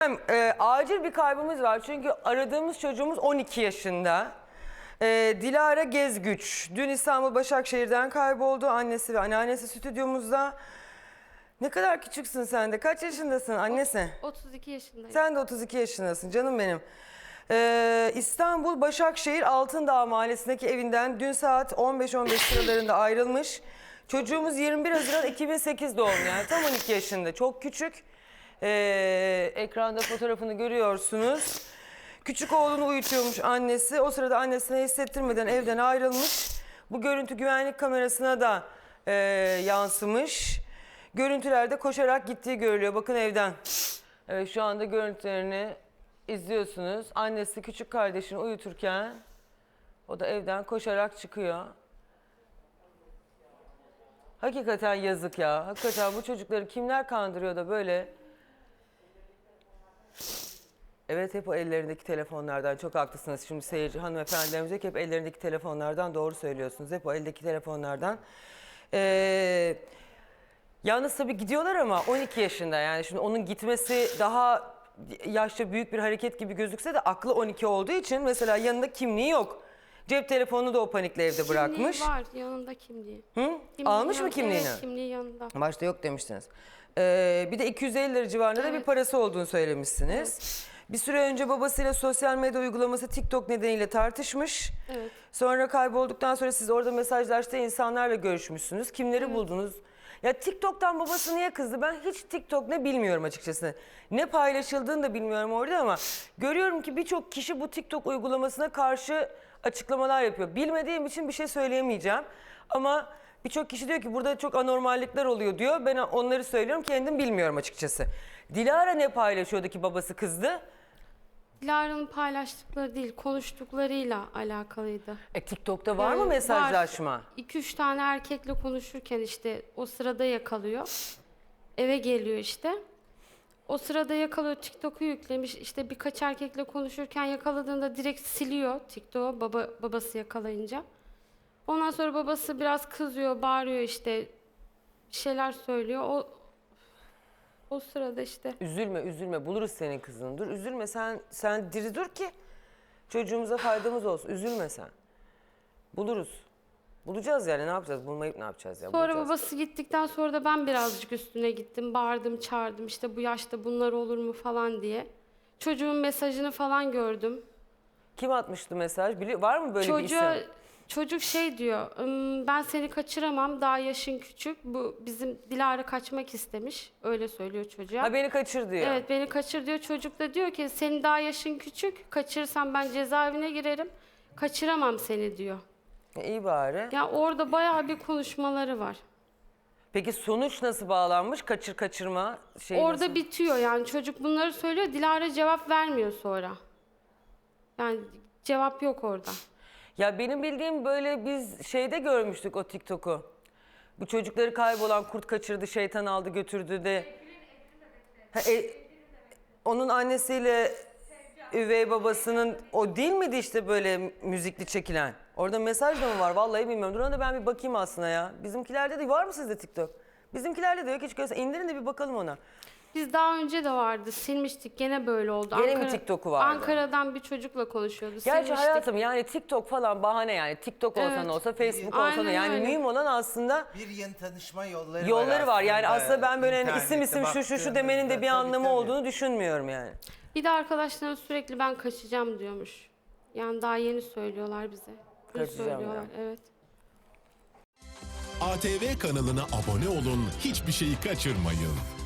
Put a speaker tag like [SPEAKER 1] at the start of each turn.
[SPEAKER 1] Acil bir kaybımız var çünkü aradığımız çocuğumuz 12 yaşında. Dilara Gezgüç dün İstanbul Başakşehir'den kayboldu. Annesi ve anneannesi stüdyomuzda. Ne kadar küçüksün sen de. Kaç yaşındasın annesi?
[SPEAKER 2] 32 yaşındayım.
[SPEAKER 1] Sen de 32 yaşındasın canım benim. İstanbul Başakşehir Altındağ Mahallesi'ndeki evinden dün saat 15-15 sıralarında ayrılmış. Çocuğumuz 21 Haziran 2008 doğumlu, yani tam 12 yaşında. Çok küçük. Ekranda fotoğrafını görüyorsunuz. Küçük oğlunu uyutuyormuş annesi. O sırada annesine hissettirmeden evden ayrılmış. Bu görüntü güvenlik kamerasına da yansımış. Görüntülerde koşarak gittiği görülüyor. Bakın evden. Evet, şu anda görüntülerini izliyorsunuz. Annesi küçük kardeşini uyuturken o da evden koşarak çıkıyor. Hakikaten yazık ya. Hakikaten bu çocukları kimler kandırıyor da böyle. Evet, hep o ellerindeki telefonlardan. Çok haklısınız. Şimdi seyirci hanımefendilerimiz hep ellerindeki telefonlardan, doğru söylüyorsunuz. Hep o eldeki telefonlardan. Yalnız tabii gidiyorlar ama 12 yaşında, yani şimdi onun gitmesi daha yaşça büyük bir hareket gibi gözükse de aklı 12 olduğu için mesela yanında kimliği yok. Cep telefonunu da o panikle evde bırakmış.
[SPEAKER 2] Kimliği var, yanında kimliği.
[SPEAKER 1] Hı? Almış mı kimliğini?
[SPEAKER 2] Evet, kimliği yanında.
[SPEAKER 1] Başta yok demiştiniz. Bir de 250 lira civarında da bir parası olduğunu söylemişsiniz. Evet. Bir süre önce babasıyla sosyal medya uygulaması TikTok nedeniyle tartışmış.
[SPEAKER 2] Evet.
[SPEAKER 1] Sonra kaybolduktan sonra siz orada mesajlaştığı insanlarla görüşmüşsünüz. Kimleri buldunuz? Ya TikTok'tan babası niye kızdı? Ben hiç TikTok ne bilmiyorum açıkçası. Ne paylaşıldığını da bilmiyorum orada ama görüyorum ki birçok kişi bu TikTok uygulamasına karşı açıklamalar yapıyor. Bilmediğim için bir şey söyleyemeyeceğim. Ama birçok kişi diyor ki burada çok anormallikler oluyor diyor. Ben onları söylüyorum, kendim bilmiyorum açıkçası. Dilara ne paylaşıyordu ki babası kızdı?
[SPEAKER 2] Dilara'nın paylaştıkları değil, konuştuklarıyla alakalıydı.
[SPEAKER 1] TikTok'ta var mı mesajlaşma?
[SPEAKER 2] 2-3 tane erkekle konuşurken işte o sırada yakalıyor. Eve geliyor işte. O sırada yakalıyor, TikTok'u yüklemiş. İşte birkaç erkekle konuşurken yakaladığında direkt siliyor TikTok'u babası yakalayınca. Ondan sonra babası biraz kızıyor, bağırıyor işte. Bir şeyler söylüyor. O sırada işte.
[SPEAKER 1] Üzülme buluruz senin kızını. Dur üzülme, sen diri dur ki çocuğumuza faydamız olsun. Üzülme sen. Bulacağız yani, ne yapacağız? Bulmayıp ne yapacağız ya?
[SPEAKER 2] Sonra
[SPEAKER 1] Bulacağız.
[SPEAKER 2] babası gittikten sonra da ben birazcık üstüne gittim. Bağırdım, çağırdım işte bu yaşta bunlar olur mu falan diye. Çocuğun mesajını falan gördüm.
[SPEAKER 1] Kim atmıştı mesaj? Var mı böyle bir isim?
[SPEAKER 2] Çocuk şey diyor, ben seni kaçıramam, daha yaşın küçük. Bu bizim Dilara kaçmak istemiş, öyle söylüyor çocuğa.
[SPEAKER 1] Ha, beni kaçır diyor.
[SPEAKER 2] Evet, beni kaçır diyor. Çocuk da diyor ki senin daha yaşın küçük, kaçırsam ben cezaevine girerim, kaçıramam seni diyor.
[SPEAKER 1] İyi bari.
[SPEAKER 2] Ya orada bayağı bir konuşmaları var.
[SPEAKER 1] Peki sonuç nasıl bağlanmış? Kaçırma şey
[SPEAKER 2] Orada
[SPEAKER 1] nasıl?
[SPEAKER 2] bitiyor yani, çocuk bunları söylüyor, Dilara cevap vermiyor sonra. Yani cevap yok orada.
[SPEAKER 1] Ya benim bildiğim böyle biz şeyde görmüştük o TikTok'u. Bu çocukları kaybolan kurt kaçırdı, şeytan aldı götürdü de. Onun annesiyle üvey babasının o değil miydi işte böyle müzikli çekilen? Orada mesaj da mı var? Vallahi bilmiyorum. Dur ona ben bir bakayım aslında ya. Bizimkilerde de var mı sizde TikTok? Bizimkilerde de yok hiç görsen. İndirin de bir bakalım ona.
[SPEAKER 2] Biz daha önce de vardı, silmiştik, gene böyle oldu.
[SPEAKER 1] Gene mi TikTok'u vardı?
[SPEAKER 2] Ankara'dan bir çocukla konuşuyordu,
[SPEAKER 1] Gerçi
[SPEAKER 2] silmiştik.
[SPEAKER 1] hayatım yani TikTok falan bahane yani. TikTok olsa
[SPEAKER 2] Evet.
[SPEAKER 1] ne olsa, Facebook olsa
[SPEAKER 2] Aynen
[SPEAKER 1] ne. Yani
[SPEAKER 2] öyle.
[SPEAKER 1] mühim olan aslında
[SPEAKER 3] bir yeni tanışma yolları
[SPEAKER 1] var. Yani aslında ben böyle hani isim
[SPEAKER 3] İnternette
[SPEAKER 1] şu demenin de bir
[SPEAKER 3] baktığınızda
[SPEAKER 1] anlamı
[SPEAKER 3] tabii.
[SPEAKER 1] olduğunu düşünmüyorum yani.
[SPEAKER 2] Bir de arkadaşlarım sürekli ben kaçacağım diyormuş. Yani daha yeni söylüyorlar bize. Bunu
[SPEAKER 1] Kaçacağım
[SPEAKER 2] söylüyorlar,
[SPEAKER 1] ya.
[SPEAKER 2] evet.
[SPEAKER 4] ATV kanalına abone olun, hiçbir şeyi kaçırmayın.